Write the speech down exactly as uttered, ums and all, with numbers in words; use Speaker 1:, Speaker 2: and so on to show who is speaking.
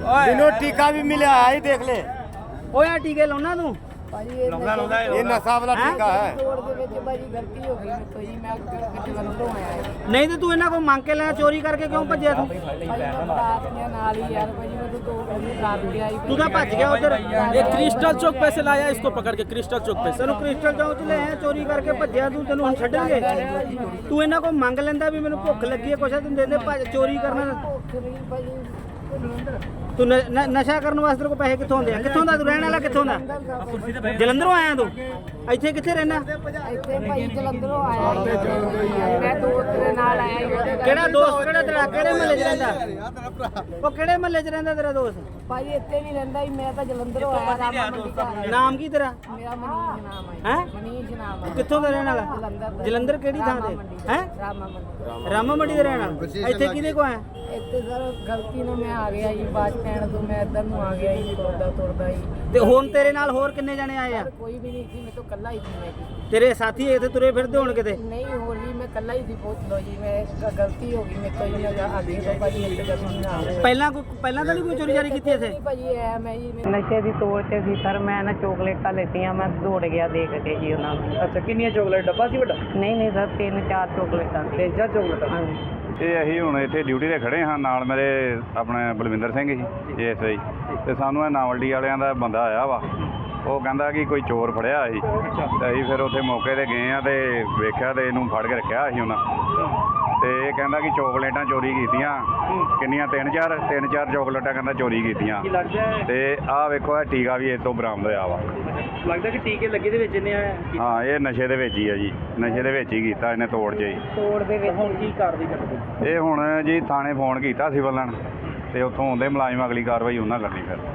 Speaker 1: दिनों टीका भी मिला है, देख ले।
Speaker 2: ਓਏ ਆ ਟੀਕੇ ਲਾਉਣਾ ਤੂੰ
Speaker 1: ये नशा वाला टीका है।
Speaker 2: ਨਹੀਂ ਤੇ ਤੂੰ ਇਹਨਾਂ ਕੋਲ ਮੰਗ ਕੇ ਲੈਣਾ, ਚੋਰੀ ਕਰਕੇ ਕਿਉਂ ਭੱਜਿਆ ਤੂੰ? ਤੂੰ ਤਾਂ ਭੱਜ ਗਿਆ ਉਧਰ।
Speaker 3: ये क्रिस्टल चौक पे से लाया इसको पकड़ के, क्रिस्टल चौक पे से।
Speaker 2: ਤੈਨੂੰ ਕ੍ਰਿਸਟਲ ਚੌਂਕ ਚ ਲੈ ਆਇਆ, ਚੋਰੀ ਕਰਕੇ ਭੱਜਿਆ ਤੂੰ, ਤੈਨੂੰ ਹੁਣ ਛੱਡਣਗੇ? ਤੂੰ ਇਹਨਾਂ ਕੋਲ ਮੰਗ ਲੈਂਦਾ ਵੀ ਮੈਨੂੰ ਭੁੱਖ ਲੱਗੀ ਹੈ, ਕੁਛ ਤੈਨੂੰ ਦੇ ਦੇ, ਭੱਜ ਚੋਰੀ ਕਰਨਾ। ਤੂੰ ਨ- ਨ- ਨਸ਼ਾ ਕਰਨ ਵਾਸਤੇ ਤੇਰੇ ਕੋਲ ਪੈਸੇ ਕਿੱਥੋਂ ਆਉਂਦੇ ਆ? ਕਿੱਥੋਂ ਦਾ ਤੂੰ ਰਹਿਣ ਵਾਲਾ, ਕਿੱਥੋਂ ਦਾ? ਜਲੰਧਰੋਂ ਆਇਆ ਤੂੰ? ਇੱਥੇ ਕਿੱਥੇ ਰਹਿਣਾ?
Speaker 4: ਇੱਥੇ ਭਾਈ ਜਲੰਧਰੋਂ ਆਇਆ ਮੈਂ ਦੋਸਤ ਦੇ ਨਾਲ ਆਇਆ।
Speaker 2: ਕਿਹੜਾ ਦੋਸਤ? ਕਿਹੜਾ ਤੇਰਾ? ਕਿਹੜੇ ਮਹੱਲੇ 'ਚ ਰਹਿੰਦਾ? ਉਹ ਕਿਹੜੇ ਮਹੱਲੇ 'ਚ ਰਹਿੰਦਾ ਤੇਰਾ ਦੋਸਤ?
Speaker 4: ਭਾਈ ਇੱਥੇ ਨਹੀਂ ਰਹਿੰਦਾ ਹੀ, ਮੈਂ ਤਾਂ ਜਲੰਧਰੋਂ ਆਇਆ। ਰਾਮਾ ਮੰਡੀ ਘਰ
Speaker 2: ਨਾਮ ਕੀ ਤੇਰਾ?
Speaker 4: ਮੇਰਾ ਮਨੀਸ਼ ਨਾਮ ਹੈ।
Speaker 2: ਹੈ?
Speaker 4: ਮਨੀਸ਼ ਨਾਮ ਹੈ।
Speaker 2: ਕਿੱਥੋਂ ਦਾ ਰਹਿਣ ਵਾਲਾ?
Speaker 4: ਜਲੰਧਰ ਦਾ।
Speaker 2: ਜਲੰਧਰ ਕਿਹੜੀ ਥਾਂ ਤੇ? ਹੈ?
Speaker 4: ਰਾਮਾ ਮੰਡੀ।
Speaker 2: ਰਾਮਾ ਮੰਡੀ ਦੇ ਰਹਿਣ ਵਾਲਾ। ਇੱਥੇ ਕਿਹਦੇ ਕੋ ਆਇਆ?
Speaker 4: ਇੱਥੇ ਸਰ ਗਲਤੀ ਨਾਲ ਮੈਂ ਆ ਗਿਆ ਜੀ, ਬਾਅਦ ਪੈਣ ਤੋਂ ਮੈਂ ਇੱਧਰ ਨੂੰ ਆ ਗਿਆ ਜੀ, ਤੁਰਦਾ ਤੁਰਦਾ ਜੀ।
Speaker 2: ਤੇ ਹੁਣ ਤੇਰੇ ਨਾਲ ਹੋਰ ਕਿੰਨੇ ਜਣੇ ਆਏ ਆ?
Speaker 4: ਕੋਈ ਵੀ ਨਹੀਂ ਸੀ, ਮੈਂ ਤਾਂ ਇਕੱਲਾ ਹੀ ਸੀ। ਮੈਂ ਜੀ
Speaker 2: ਤੇਰੇ ਸਾਥੀ ਇੱਥੇ ਤੁਰੇ ਫਿਰਦੇ ਹੋਣ ਕਿਤੇ?
Speaker 4: ਨਹੀਂ ਹੋਰ ਜੀ, ਮੈਂ ਇਕੱਲਾ ਹੀ ਸੀ। ਪੁੱਛ ਲਓ ਜੀ, ਮੈਂ ਗ- ਗਲਤੀ ਹੋ ਗਈ ਮੇਰੇ ਤੋਂ ਜੀ। ਮੈਂ ਅੱਗੇ ਤੋਂ ਭਾਜੀ ਇੱਥੇ ਗਲਤੀ ਨਾ ਹੋਵੇ।
Speaker 2: ਪਹਿਲਾਂ ਕੋਈ ਪਹਿਲਾਂ ਤਾਂ ਨਹੀਂ ਕੋਈ ਚੋਰੀ ਜਾਰੀ ਕੀਤੀ ਇੱਥੇ?
Speaker 4: ਭਾਜੀ ਐ ਮੈਂ ਜੀ ਨਸ਼ੇ ਦੀ ਤੋੜ ਤੇ ਸੀ ਸਰ। ਮੈਂ ਨਾ ਚੋਕਲੇਟਾਂ ਲੈਤੀਆਂ, ਮੈਂ ਦੌੜ ਗਿਆ ਦੇਖ ਕੇ ਜੀ ਉਹਨਾਂ ਨੂੰ।
Speaker 3: अच्छा किन्नियां चॉकलेट डब्बा सी बड़ा?
Speaker 4: ਨਹੀਂ ਨਹੀਂ ਸਰ, ਤਿੰਨ ਚਾਰ ਚੋਕਲੇਟਾਂ ਸੀ।
Speaker 3: तीन चार चॉकलेट।
Speaker 4: ਹਾਂਜੀ
Speaker 5: ਇਹ ਅਸੀਂ ਹੁਣ ਇੱਥੇ ਡਿਊਟੀ ਤੇ ਖੜੇ ਹਾਂ, ਨਾਲ ਮੇਰੇ ਆਪਣੇ Balwinder Singh G S I, ਤੇ ਸਾਨੂੰ ਇਹ ਨਾਵਲਡੀ ਵਾਲਿਆਂ ਦਾ ਬੰਦਾ ਆਇਆ ਵਾ। ਉਹ ਕਹਿੰਦਾ ਕਿ ਕੋਈ ਚੋਰ ਫੜਿਆ ਸੀ, ਤੇ ਅਸੀਂ ਫਿਰ ਉੱਥੇ ਮੌਕੇ ਤੇ ਗਏ ਆ ਤੇ ਵੇਖਿਆ ਤੇ ਇਹਨੂੰ ਫੜ ਕੇ ਰੱਖਿਆ ਸੀ ਉਹਨਾਂ। ਤੇ ਇਹ ਕਹਿੰਦਾ ਕਿ ਚੋਕਲੇਟਾਂ ਚੋਰੀ ਕੀਤੀਆਂ। ਕਿੰਨੀਆਂ? ਤਿੰਨ ਚਾਰ ਤਿੰਨ ਚਾਰ ਚੋਕਲੇਟਾਂ ਕਹਿੰਦਾ ਚੋਰੀ ਕੀਤੀਆਂ।
Speaker 3: की लगता है
Speaker 5: ਤੇ ਆਹ ਵੇਖੋ, ਇਹ ਟੀਕਾ ਵੀ ਇਹ ਤੋਂ ਬਰਾਮਦ ਹੋਇਆ ਵਾ।
Speaker 3: लगता है कि टीके लगे दे विच ने
Speaker 5: ਹਾਂ, ਇਹ ਨਸ਼ੇ ਦੇ ਵਿੱਚ ਹੀ ਆ ਜੀ, ਨਸ਼ੇ ਦੇ ਵਿੱਚ ਹੀ ਕੀਤਾ ਇਹਨੇ, ਤੋੜ 'ਚ ਹੀ।
Speaker 4: ਤੋੜ ਦੇ ਵਿੱਚ
Speaker 3: ਹੁਣ ਕੀ ਕਾਰਵਾਈ ਕਰਦੇ?
Speaker 5: ਇਹ ਹੁਣ ਜੀ ਥਾਣੇ ਫੋਨ ਕੀਤਾ ਸੀ ਬੱਲਣ, ਤੇ ਉੱਥੋਂ ਆਉਂਦੇ ਮੁਲਾਜ਼ਮ, ਅਗਲੀ ਕਾਰਵਾਈ ਉਹਨਾਂ ਕਰਨੀ ਫਿਰ।